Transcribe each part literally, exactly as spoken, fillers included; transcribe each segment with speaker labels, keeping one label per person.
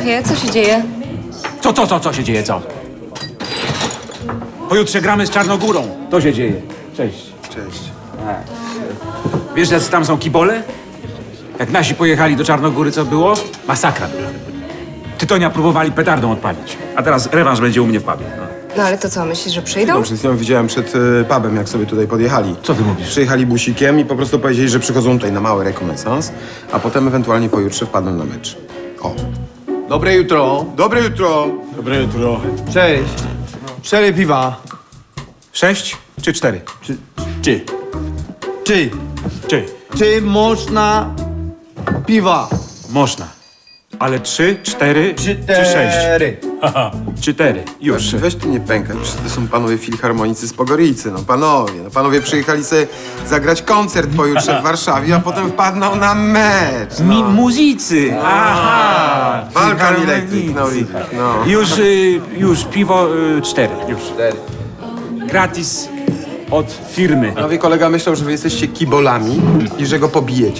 Speaker 1: Szefie, co się dzieje?
Speaker 2: Co, co, co, co się dzieje, co? Pojutrze gramy z Czarnogórą. To się dzieje. Cześć.
Speaker 3: Cześć.
Speaker 2: Wiesz, jacy tam są kibole? Jak nasi pojechali do Czarnogóry, co było? Masakra była. Tytonia próbowali petardą odpalić. A teraz rewanż będzie u mnie w pubie. No.
Speaker 1: No ale to co, myślisz, że przyjdą?
Speaker 3: No, przed chwilą widziałem przed y, pubem, jak sobie tutaj podjechali.
Speaker 2: Co ty mówisz?
Speaker 3: Przyjechali busikiem i po prostu powiedzieli, że przychodzą tutaj na mały rekonesans, a potem ewentualnie pojutrze wpadną na mecz. O.
Speaker 4: Dobre jutro.
Speaker 3: Dobre jutro.
Speaker 2: Dobre jutro.
Speaker 4: Cześć. Cztery piwa.
Speaker 2: Sześć czy cztery?
Speaker 4: Czy, czy, czy,
Speaker 2: Czy?
Speaker 4: czy można piwa?
Speaker 2: Można. Ale trzy, cztery czy sześć?
Speaker 4: Cztery.
Speaker 2: Cztery. Już.
Speaker 3: Weź ty nie pękaj, przecież to są panowie filharmonicy z Pogoryjcy, no panowie. No panowie przyjechali sobie zagrać koncert pojutrze w Warszawie, a potem wpadną na mecz.
Speaker 2: Mi muzycy. Aha.
Speaker 3: Balkan Electric, no i no.
Speaker 2: Już, y, już piwo y, cztery. Już. Gratis od firmy.
Speaker 3: Panowie, kolega myślał, że wy jesteście kibolami i że go pobijecie.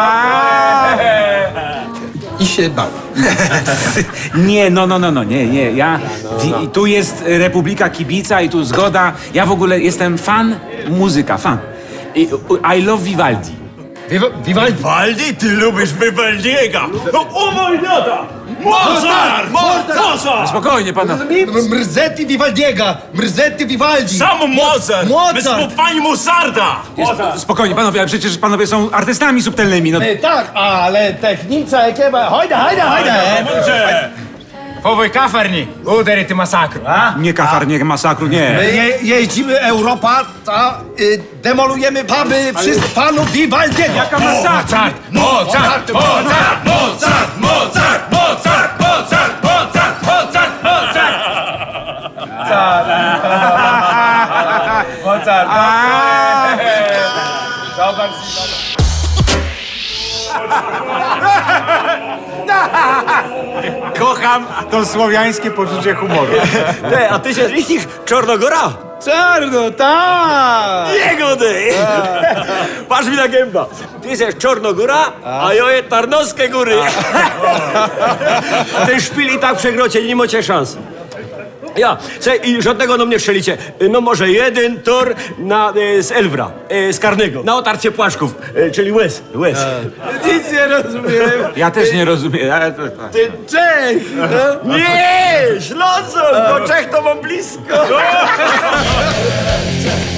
Speaker 3: I się bał.
Speaker 2: Nie, no, no, no, no, nie, nie. Ja, wi- tu jest Republika Kibica i tu zgoda. Ja w ogóle jestem fan muzyka, fan. I, I love Vivaldi.
Speaker 4: Vivaldi.
Speaker 5: Waldi, ty lubisz Vivaldiego! No o mój lata! Mozart! Mozart!
Speaker 2: Spokojnie, pana.
Speaker 4: Mrzetti Vivaldiego. Mrzetti Vivaldi.
Speaker 5: Sam Mozart!
Speaker 4: Mozart!
Speaker 5: My smo fani Mozarta!
Speaker 2: Spokojnie, panowie, ale przecież panowie są artystami subtelnymi. No,
Speaker 4: E, tak, ale technica ekipa. Hojda, hojda, hojda.
Speaker 6: Powój kafarni, udery masakru, a?
Speaker 2: nie kafar, nie masakru, nie.
Speaker 4: My je, jeździmy Europa, a y, demolujemy puby wszystkich panów Vivaldiego.
Speaker 2: Jaka masakra?
Speaker 6: Mozart! Mozart! Mozart! Mozart! Mozart! Mozart! Mozart! Mozart! Mozart! Mozart! Mozart!
Speaker 7: Kocham to słowiańskie poczucie humoru.
Speaker 5: Te, a ty się ich Czarnogóra?
Speaker 4: Czarno, tak!
Speaker 5: Jego ty! Patrz mi na gęba. Ty jesteś Czarnogóra, a ja jest Tarnowskie Góry. Ten szpil i tak przegrocie, nie macie szans. Ja, se, i żadnego do mnie strzelicie. No może jeden tor na, e, z Elwra, e, z Karnego, na otarcie płaszków, e, czyli łez, łez.
Speaker 4: Nic nie rozumiem.
Speaker 2: Ja też nie rozumiem. ale to-
Speaker 4: Ty Czech!
Speaker 5: Nie, Ślązok, do Czech to mam blisko.